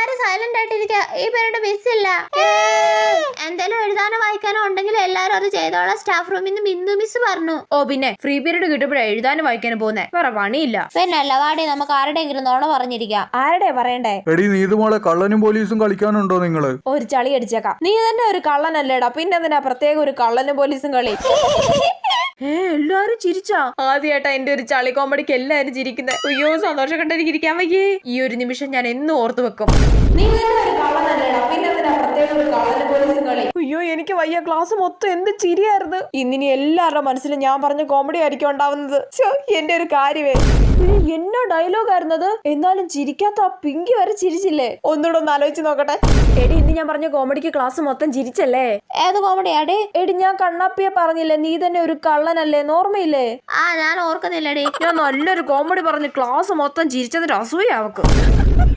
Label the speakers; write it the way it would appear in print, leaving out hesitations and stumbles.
Speaker 1: എല്ലാരും സൈലന്റ് ആയിട്ടിരിക്കുക. ഈ പീരീഡ് മിസ്സില്ല. എന്തെങ്കിലും എഴുതാനോ വായിക്കാനോ ഉണ്ടെങ്കിൽ എല്ലാരും അത് ചെയ്തോളാം സ്റ്റാഫ് റൂമിൽ നിന്ന് ബിന്ദു മിസ് പറഞ്ഞു.
Speaker 2: ഓ പിന്നെ ഫ്രീ പീരീഡ് കിട്ടുമ്പോഴേ എഴുതാനും വായിക്കാനും പോകുന്നേ, വേറെ പണിയില്ല.
Speaker 1: പിന്നെ അല്ല വാടി, നമുക്ക് ആരുടെയെങ്കിലും നോണ പറഞ്ഞിരിക്കാം.
Speaker 2: ആരുടെ പറയണ്ടേ?
Speaker 3: എടി നീതുമോളെ കള്ളനും പോലീസും കളിക്കാനുണ്ടോ നിങ്ങള്?
Speaker 2: ഒരു ചളി അടിച്ചേക്കാം. നീ തന്നെ ഒരു കള്ളനല്ലേടാ, പിന്നെ എന്തിനാ പ്രത്യേക ഒരു കള്ളനും പോലീസും കളി? എല്ലാരും ചിരിച്ചാ? ആദ്യമായിട്ടാ എന്റെ ഒരു ചളി കോമഡിക്ക് എല്ലാരും ചിരിക്കുന്നത്. അയ്യോ സന്തോഷം കണ്ടെനിക്ക് ഇരിക്കാൻ വയ്യേ. ഈ ഒരു നിമിഷം ഞാൻ എന്നും ഓർത്തു വെക്കും. അയ്യോ എനിക്ക് വയ്യ, ക്ലാസ് മൊത്തം എന്ത് ചിരിയായിരുന്നു. ഇന്നിനി എല്ലാവരുടെ മനസ്സിലും ഞാൻ പറഞ്ഞ കോമഡി ആയിരിക്കും ഉണ്ടാവുന്നത്. എന്റെ ഒരു കാര്യമേ, എന്നോ ഡയലോഗ് ആയിരുന്നത്. എന്നാലും ചിരിക്കാത്ത ആ പിങ്കി വരെ ചിരിച്ചില്ലേ? ഒന്നുകൂടെ ഒന്ന് ആലോചിച്ച് നോക്കട്ടെ. എടി ഇന്ന് ഞാൻ പറഞ്ഞ കോമഡിക്ക് ക്ലാസ് മൊത്തം ചിരിച്ചല്ലേ?
Speaker 1: ഏത് കോമഡിയാടി?
Speaker 2: എടി ഞാൻ കണ്ണാപ്പിയെ പറഞ്ഞില്ലേ, നീ തന്നെ ഒരു കള്ളനല്ലേ, ഓർമ്മയില്ലേ?
Speaker 1: ഞാൻ ഓർക്കുന്നില്ലടി.
Speaker 2: ഞാൻ നല്ലൊരു കോമഡി പറഞ്ഞ് ക്ലാസ് മൊത്തം ചിരിച്ചതിന്റെ അസൂയ അവക്ക്.